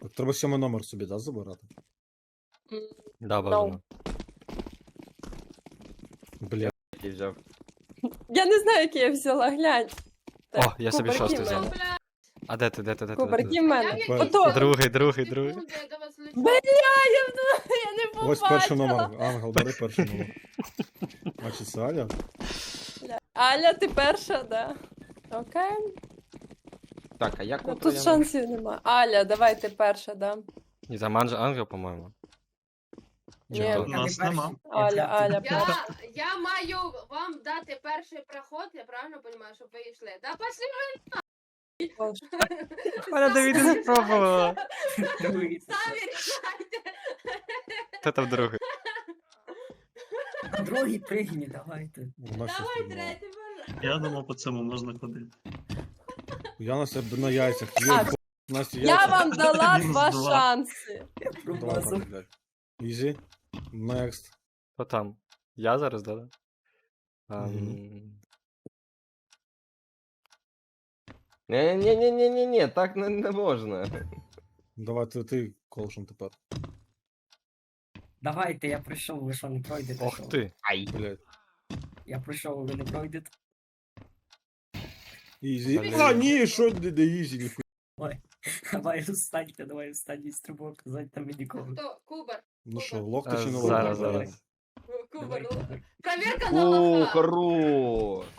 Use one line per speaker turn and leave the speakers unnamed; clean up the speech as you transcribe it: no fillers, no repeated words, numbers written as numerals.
Так, треба 7 номер собі, да, забирати?
Да, бажано.
Бля,
Який взяв.
Я не знаю, який я взяла, глянь.
О, я собі
кубарки
шостий
в мене.
взяв. А де ти, де ти, де ти?
Кубарки в мене.
Тепер-
Ото.
Другий.
Бля, я не побачила.
ось перший номер. Ангел, бери перший номер. Значить, це Аля.
Аля, ти перша, да. Окей.
Так, а як
Ну,
от
тут
я-
шансів нема. Аля, давай ти перша, да.
Ні, там ангел, по-моєму. Чи
Ні.
хто?
У нас нема.
Аля перша.
Я маю вам дати перший проход, я правильно розумію, щоб ви йшли. Да пошли
Вона Давід не спробувала.
самі рішайте.
Хто там другий?
Другий пригні, давайте.
Вона щось
Давай
придумала.
третій, боже.
Я думав, по цьому можна ходити.
Я на себе на яйцях.
А,
Настя,
Я
яйця.
вам дала
Мінус
2
два.
шанси.
Я
Давай,
промазав.
блядь. Easy. Next.
Хто там? Я зараз, да?
Ні, так не можна.
Давай ти колшем тепер.
Давайте, я пройшов, ви що не пройдете?
Ох
що?
ти.
Блядь.
Я пройшов, ви не пройдете.
Easy.
Блін.
А, ні, що де easy, ніхуя.
Давай встаньте, давай останній стрибок, задьте мені нікого.
Хто? Кубар.
Ну що, локти чи не
Зараз,
локти?
зараз.
Кубар.
Давай, давай.
Проверка на
О,
лоха.
хорош.